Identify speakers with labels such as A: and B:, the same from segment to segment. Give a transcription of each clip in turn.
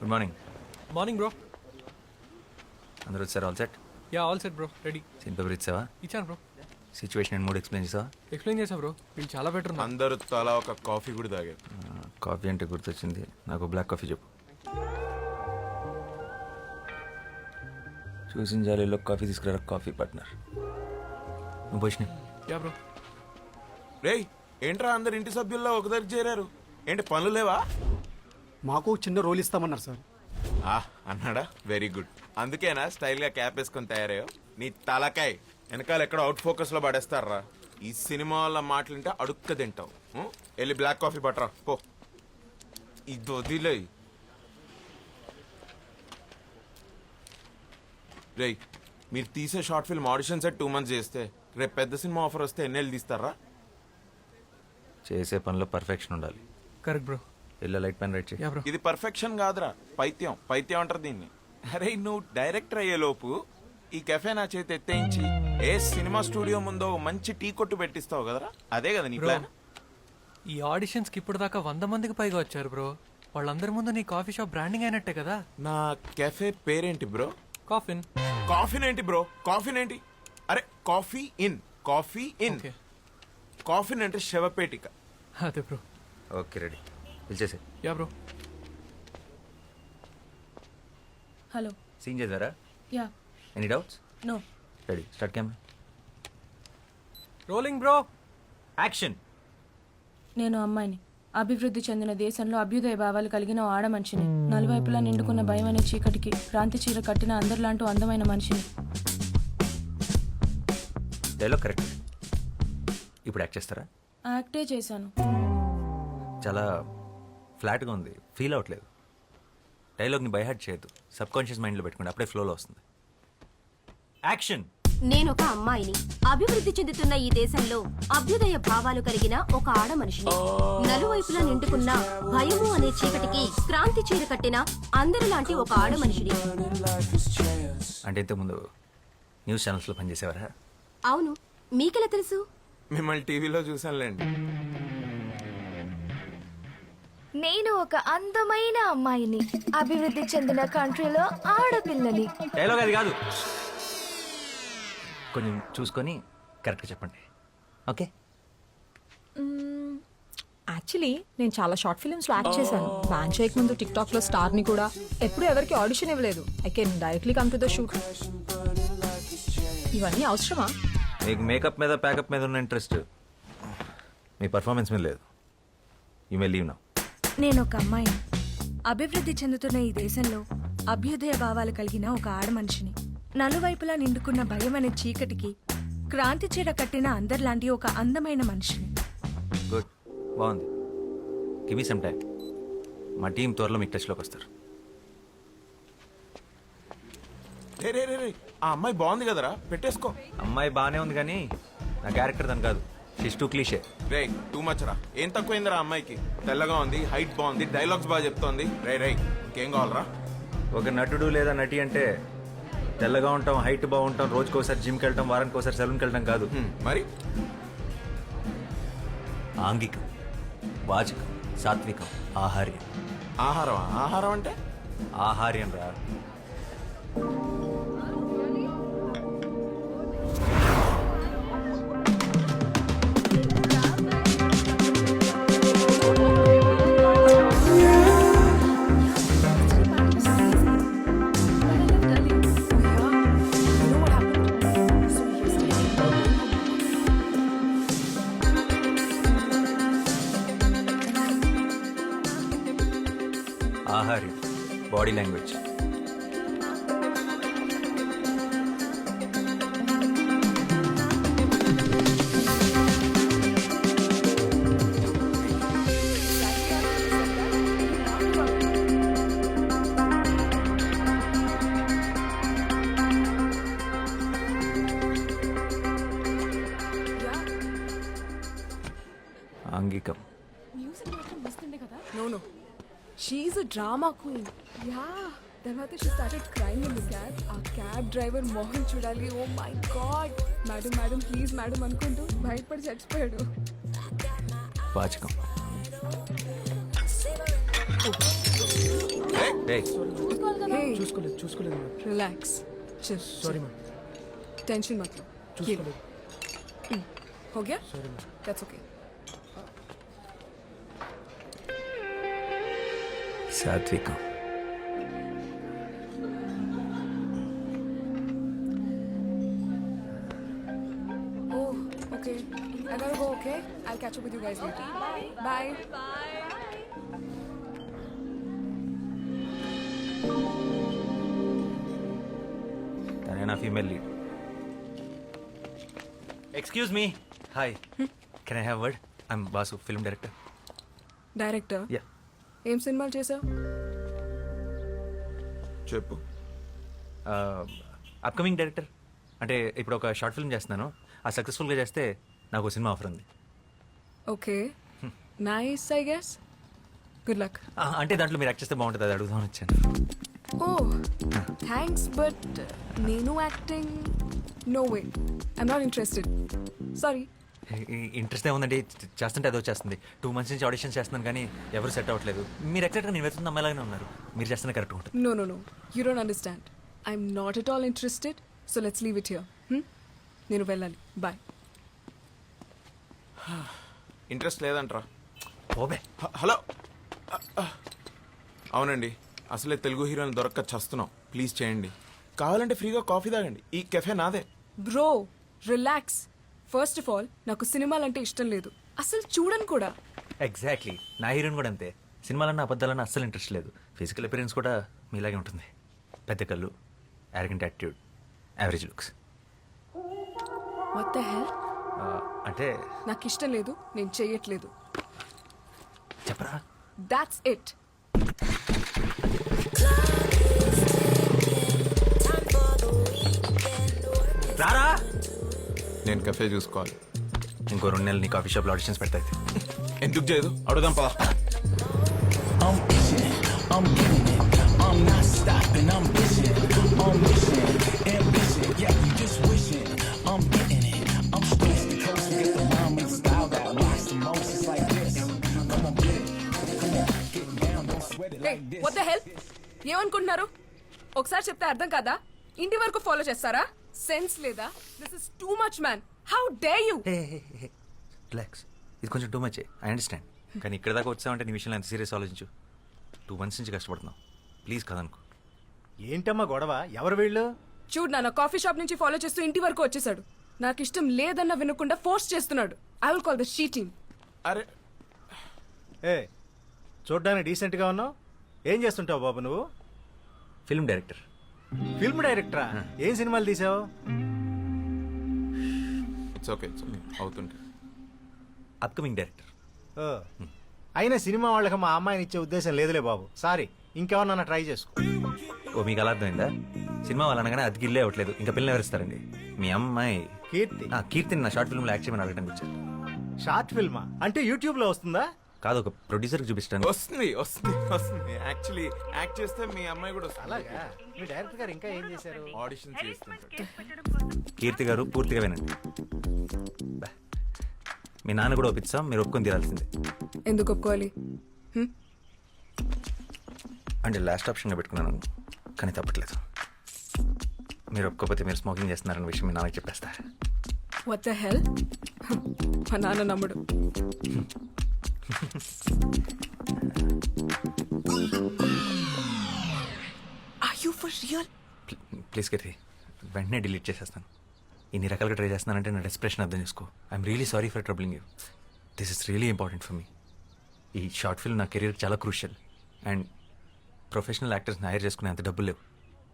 A: Good morning.
B: Morning bro.
A: అందరూ వచ్చారు? All set?
B: Yeah all set bro, ready.
A: Scene paper ఇచ్చావా?
B: ఇచ్చాను bro.
A: Situation and mood explain చేసావా?
B: Explain చేసా bro, వీళ్ళు చాలా బెటర్ ఉన్నారు.
C: అందరూ తలా ఒక కాఫీ కూడా తాగారు.
A: కాఫీ అంటే గుర్తొచ్చింది, నాకు బ్లాక్ కాఫీ చెప్పు. చూసిన జాలీలో కాఫీ తీసుకురా కాఫీ పార్ట్నర్. నువ్వు పోషిన.
B: Yeah bro.
C: రేయ్ ఏంట్రా అందరు ఇంటి సభ్యుల్లో ఒక దగ్గర చేరారు, ఏంటి పనులు లేవా?
D: మాకు చిన్న రోల్ ఇస్తామన్నారు సార్.
C: అన్నాడా? Very good. అందుకేనా స్టైల్గా క్యాప్ వేసుకొని తయారయ్యో? నీ తలకాయ్ వెనకాల ఎక్కడ అవుట్ ఫోకస్లో పడేస్తారా? ఈ సినిమా వాళ్ళ మాటలుంటే అడుక్క తింటావు. వెళ్ళి బ్లాక్ కాఫీ పట్టరా పో. ఇది వదిలే. రేయ్ మీరు తీసే short film audition set 2 months చేస్తే రేపు పెద్ద సినిమా ఆఫర్ వస్తే ఎన్నేళ్ళు తీస్తారా?
A: చేసే పనిలో పర్ఫెక్షన్ ఉండాలి.
B: Correct bro.
A: ఇలా లైట్ పెన్ రైట్ చేయి.
B: Yeah bro.
C: ఇది పర్ఫెక్షన్ కాదురా, పైత్యం. పైత్యం అంటారు దీన్ని. అరే నువ్వు డైరెక్టర్ అయ్యే లోపు ఈ కెఫే నా చేతి ఎత్తేయించి ఏ సినిమా స్టూడియో ముందో మంచి టీ కొట్టు పెట్టిస్తావు కదరా, అదే కదా నీ ప్లాన్?
B: ఈ ఆడిషన్స్కి ఇప్పుడు దాకా 100 మందికి పైగా వచ్చారు బ్రో. వాళ్ళందరి ముందు నీ కాఫీ షాప్ బ్రాండింగ్ అయినట్టే కదా.
C: నా కెఫే పేరేంటి బ్రో?
B: కాఫిన్.
C: కాఫీన్ ఏంటి బ్రో? కాఫీన్ ఏంటి? అరే coffee in, coffee in.
B: Okay.
C: Coffin అంటే శవపేటిక.
B: అదే బ్రో.
A: ఓకే రెడీ, పిలిచేసే.
B: Yeah bro.
E: హలో.
A: సీన్ చేద్దారా?
E: Yeah.
A: Any doubts?
E: No.
A: Ready, start camera.
B: Rolling bro.
A: Action.
E: నేను అమ్మాయిని, అభివృద్ధి చెందిన దేశంలో అభ్యుదయ భావాలు కలిగిన ఓ ఆడ మనిషిని, నలువైపులా నిండుకున్న భయం అనే చీకటికి క్రాంతి చీర కట్టిన అందరిలాంటి అందమైన మనిషిని.
A: Dialogue correct. ఇప్పుడు యాక్ట్ చేస్తారా?
E: యాక్టే చేశాను.
A: చాలా ఫ్లాట్గా ఉంది, ఫీల్ అవ్వట్లేదు. డైలాగ్ని బైహార్ట్ చేయొద్దు, సబ్ కాన్షియస్ మైండ్లో పెట్టుకోండి, అప్పుడే ఫ్లోలో వస్తుంది. యాక్షన్.
F: నేనొక అమ్మాయిని, అభివృద్ధి చెందుతున్న ఈ దేశంలో అభ్యుదయ భావాలు కలిగిన ఒక ఆడ మనిషిని, నలువైపులా నిండుకున్న భయము అనే చీకటికి క్రాంతి చీర కట్టిన అందరిలాంటి ఒక ఆడ మనిషిని.
A: అంటే ఇంతకుముందు న్యూస్ ఛానల్స్లో పనిచేసేవారా?
F: అవును, మీకెలా తెలుసు?
C: మిమ్మల్ని టీవీలో చూసానులేండి.
G: నేను ఒక అందమైన అమ్మాయిని, అభివృద్ధి చెందిన కంట్రీలో ఆడపిల్లని.
A: డైలాగ్ అది కాదు, కొంచెం చూసుకొని కరెక్ట్గా చెప్పండి. ఓకే.
H: యాక్చువల్లీ నేను చాలా షార్ట్ ఫిల్మ్స్లో యాక్ట్ చేశాను. బ్యాన్ చేయక ముందు టిక్టాక్లో స్టార్ని కూడా. ఎప్పుడు ఎవరికి ఆడిషన్ ఇవ్వలేదు. I can directly come to the shoot. ఇవన్నీ అవసరమా?
A: మీకు మేకప్ మీద ప్యాకప్ మీద ఉన్న ఇంట్రెస్ట్ మీ పర్ఫార్మెన్స్ మీద లేదు. You may leave now.
G: నేను ఒక అమ్మాయిని, అభివృద్ధి చెందుతున్న ఈ దేశంలో అభ్యుదయ భావాలు కలిగిన ఒక ఆడ మనిషిని, నలువైపులా నిండుకున్న భయం అనే చీకటికి క్రాంతి చీర కట్టిన అందరిలాంటి ఒక అందమైన మనిషిని.
A: గుడ్, బాగుంది. Give me some time. మా టీం త్వరలో మీకు టచ్లోకి వస్తారు.
C: రే రే రే రే, ఆ అమ్మాయి బాగుంది కదరా, పెట్టేసుకో.
A: అమ్మాయి బాగానే ఉంది కానీ నా క్యారెక్టర్ దాని కాదు. She's too cliche.
C: రే టూ మచ్ రా. ఏం తక్కువైందిరా అమ్మాయికి? తెల్లగా ఉంది, హైట్ బాగుంది, డైలాగ్స్ బాగా చెప్తోంది. రే రే ఇంకేం కావాలరా?
A: ఒక నటుడు లేదా నటి అంటే తెల్లగా ఉంటాం, హైట్ బాగుంటాం, రోజుకి ఒకసారి జిమ్కి వెళ్ళటం, వారానికి ఒకసారి సెలూన్కి వెళ్ళటం కాదు.
C: మరి
A: ఆంగికం, వాచకం, సాత్వికం, ఆహార్యం.
C: ఆహారం? ఆహారం అంటే
A: ఆహార్యం రా. ఆహార్యం, బాడీ లాంగ్వేజ్. ఆంగికం.
H: No. She's a drama queen.
G: Yeah, తర్వాత she started crying in the cab. ఆ క్యాబ్ డ్రైవర్ మోహన్ చూడాలి. Oh my god, madam madam please madam అనుకుంటూ బయటపడి చచ్చిపోయాడు.
A: వాచకం. ఏయ్,
D: చూసుకోలేదు
G: రిలాక్స్
D: సారీ మ్యామ్
G: टेंशन मत लो
D: చూసుకోలేదు
G: हो गया दैट्स ओके
A: సాత్వికం.
G: Oh okay I gotta go okay I'll catch up with you guys later bye
A: తనే నా female lead. Excuse me. Hi, can I have word? I'm Basu, film director.
G: Director
A: yeah.
G: ఏం సినిమాలు చేసావు
C: చెప్పు.
A: Upcoming director. అంటే ఇప్పుడు ఒక షార్ట్ ఫిల్మ్ చేస్తున్నాను. ఆ సక్సెస్ఫుల్గా చేస్తే నాకు సినిమా ఆఫర్ ఉంది.
G: Okay nice I guess good luck
A: అంటే దాంట్లో మీరు యాక్ట్ చేస్తే బాగుంటుంది, అది అడుగుదామని వచ్చాను.
G: ఓ థ్యాంక్స్ బట్ నేను acting no way I'm not interested sorry
A: interest ఏముందండి, చేస్తుంటే అదో చేస్తుంది. 2 months నుంచి ఆడిషన్స్ చేస్తున్నాను కానీ ఎవరు సెట్ అవ్వట్లేదు. మీరు ఎగ్జాక్ట్గా నేను వెళ్తున్న అమ్మాయిలాగానే ఉన్నారు. మీరు చేస్తున్న కరెక్ట్ ఉంటుంది.
G: No, no, no. You don't understand. I'm not at all interested. So let's leave it here. నేను వెళ్ళాలి. Bye.
C: ఇంట్రెస్ట్ లేదంట్రా.
A: ఓబే.
C: హలో. అవునండి, అసలే తెలుగు హీరోని దొరక్క చస్తున్నాం. ప్లీజ్ చేయండి. కావాలంటే ఫ్రీగా కాఫీ తాగండి. ఈ కెఫే నాదే.
G: Bro, relax. First of all, నాకు సినిమాలంటే ఇష్టం లేదు. అసలు చూడను కూడా.
A: ఎగ్జాక్ట్లీ, నా హీరోయిన్ కూడా అంతే. సినిమాలన్నా అబద్ధాలన్నా అస్సలు ఇంట్రెస్ట్ లేదు. ఫిజికల్ అపిరెన్స్ కూడా మీలాగే ఉంటుంది. పెద్ద కళ్ళు, arrogant attitude, average looks.
G: What the hell?
A: అంటే
G: నాకు ఇష్టం లేదు. నేను చెయ్యట్లేదు.
A: చెప్పరా.
G: That's it.
A: రారా.
C: నేను కెఫే చూసుకోవాలి.
A: ఇంకో 2 నెలలు నీ కాఫీ షాప్లో ఆడిషన్స్ పెడతాయి.
C: ఎందుకు చేయదు? అడుగుదాం పద.
G: Hey, what the hell? ఏమనుకుంటున్నారు? ఒకసారి చెప్తే అర్థం కాదా? ఇంటి వరకు ఫాలో చేస్తారా? సెన్స్ లేదా? This is too much man. How dare you?
A: Relax, ఇది కొంచెం టూ మచ్. I understand. కానీ ఇక్కడ దాకా వచ్చావంటే నీ విషయంలో ఎంత సీరియస్ ఆలోచించు. 2 months నుంచి కష్టపడుతున్నావు. ప్లీజ్ కదనుకో.
I: ఏంటమ్మా గొడవ? ఎవరు వీళ్ళు?
G: చూడు నాన్న, కాఫీ షాప్ నుంచి ఫాలో చేస్తూ ఇంటి వరకు వచ్చేసాడు. నాకు ఇష్టం లేదన్న వినకుండా ఫోర్స్ చేస్తున్నాడు. I will call the she team.
C: అరే
I: ఏ చూడ్డానికి డీసెంట్గా ఉన్నావు. ఏం చేస్తుంటావు బాబు నువ్వు?
A: Film director.
I: ఫిల్మ్ డైరెక్టరా? ఏం సినిమాలు తీసావు?
C: ఇట్స్ ఓకే అవుతుంటే.
A: Upcoming director.
I: ఓ, అయినా సినిమా వాళ్ళకి మా అమ్మాయిని ఇచ్చే ఉద్దేశం లేదులే బాబు. సారీ, ఇంకెవరన్నా ట్రై చేసుకో.
A: ఓ, మీకు అలా అర్థమైందా? సినిమా వాళ్ళు అనగానే అది గిల్లే అవ్వట్లేదు. ఇంకా పిల్లలు ఎవరిస్తారండి? మీ అమ్మాయి
I: కీర్తి.
A: కీర్తిని నా షార్ట్ ఫిల్మ్లో యాక్ట్ చేయమని అడగడానికి వచ్చారు.
I: షార్ట్ ఫిల్మా? అంటే యూట్యూబ్లో వస్తుందా?
A: కాదు, ఒక ప్రొడ్యూసర్కి చూపిస్తాను.
C: వస్తుంది వస్తుంది వస్తుంది. యాక్చువల్లీ యాక్ట్ చేస్తే మీ అమ్మాయి కూడా వస్తుంది.
I: అలాగా? మీ డైరెక్టర్ గారు ఇంకా ఏం చేశారు?
C: ఆడిషన్ చేస్తుంటారు.
A: కీర్తి గారు పూర్తిగా వినండి. బా. మీ నాన్న కూడా ఒప్పిస్తాం, మీరు ఒప్పుకొని తీరాల్సిందే.
G: ఎందుకు ఒప్పుకోవాలి?
A: అంటే లాస్ట్ ఆప్షన్గా పెట్టుకున్నాను, కానీ తప్పట్లేదు. మీరు ఒప్పుకోకపోతే మీరు స్మోకింగ్ చేస్తున్నారన్న విషయం మీ నాన్నకి చెప్పేస్తా.
G: What the hell? మా నాన్న నమ్ముడు. Are you for real?
A: Please Keerthi, వెంటనే డిలీట్ చేసేస్తాను. ఇన్ని రకాలుగా ట్రై చేస్తున్నానంటే నా డెస్ప్రెషన్ అర్థం చేసుకో. I'm really sorry for troubling you. This is really important for me. ఈ షార్ట్ ఫిల్మ్ నా కెరీర్ చాలా క్రూషియల్. అండ్ ప్రొఫెషనల్ యాక్టర్స్ని హైర్ చేసుకునే అంత డబ్బులు లేవు.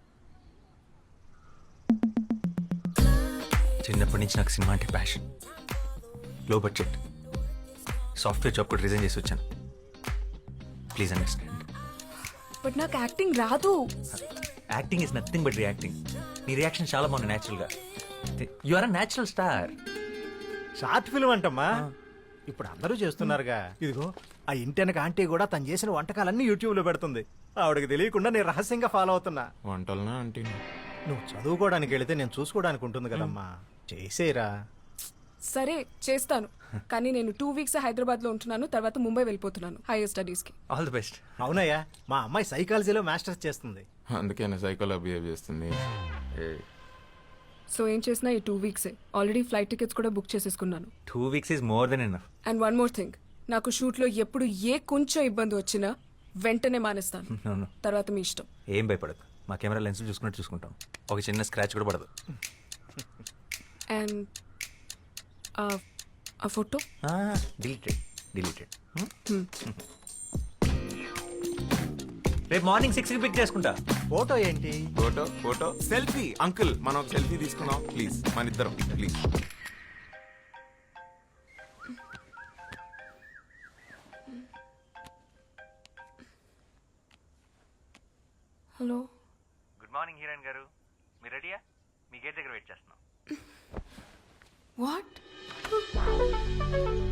A: చిన్నప్పటి నుంచి నాకు సినిమా అంటే passion. Low budget software job కూడా రిజైన్ చేసి వచ్చాను. Please understand.
G: బట్ నాకు యాక్టింగ్ రాదు.
A: Acting is nothing but reacting. నీ రియాక్షన్ చాలా బాగుంది న్యాచురల్గా. You are a natural star.
I: Short film అంటమ్మా, ఇప్పుడు అందరూ చేస్తున్నారుగా. ఇదిగో ఆ ఇంటెనక ఆంటీ కూడా తను చేసిన వంటకాలన్నీ యూట్యూబ్లో పెడుతుంది. ఆవిడకి తెలియకుండా నేను రహస్యంగా ఫాలో అవుతున్నా.
C: వంటలనా అంటే
I: నువ్వు చదువుకోవడానికి వెళితే నేను చూసుకోవడానికి ఉంటుంది కదమ్మా. చేసేరా.
G: సరే చేస్తాను.
J: కానీ నేను 2 వీక్స్ హైదరాబాద్ లో ఉంటున్నాను, తర్వాత ముంబై వెళ్ళిపోతున్నాను హైయర్ స్టడీస్ కి.
A: All the best.
I: అవునయ్యా, మా అమ్మాయి సైకాలజీలో మాస్టర్స్ చేస్తుంది.
C: అందుకేనా సైకోలో బిహేవ్ చేస్తుంది.
J: సో ఏం చేసినా ఈ 2 వీక్సే. ఆల్రెడీ ఫ్లైట్ టికెట్స్ కూడా బుక్ చేసేసుకున్నాను.
A: 2 weeks is more than enough.
J: And one more thing, నాకు షూట్ లో ఎప్పుడు ఏ కొంచెం ఇబ్బంది వచ్చినా వెంటనే మానేస్తాను.
A: నో
J: తర్వాత మీ ఇష్టం.
A: ఏం భయపడదు, మా కెమెరా లెన్స్ చూసుకున్నట్టు చూసుకుంటాం. ఒక చిన్న స్క్రాచ్ కూడా పడదు.
J: అండ్ ఆ ఫోటో
A: డిలీటెడ్. రేపు మార్నింగ్ 6కి పిక్ చేసుకుంటా.
I: ఫోటో ఏంటి?
C: Photo selfie. అంకుల్ మనం ఒక సెల్ఫీ తీసుకున్నాం ప్లీజ్, మన ఇద్దరం please.
J: Hello.
A: Good morning heroine గారు, మీరు రెడీయా? మీ గేట్ దగ్గర వెయిట్ చేస్తున్నాం.
J: వాట్?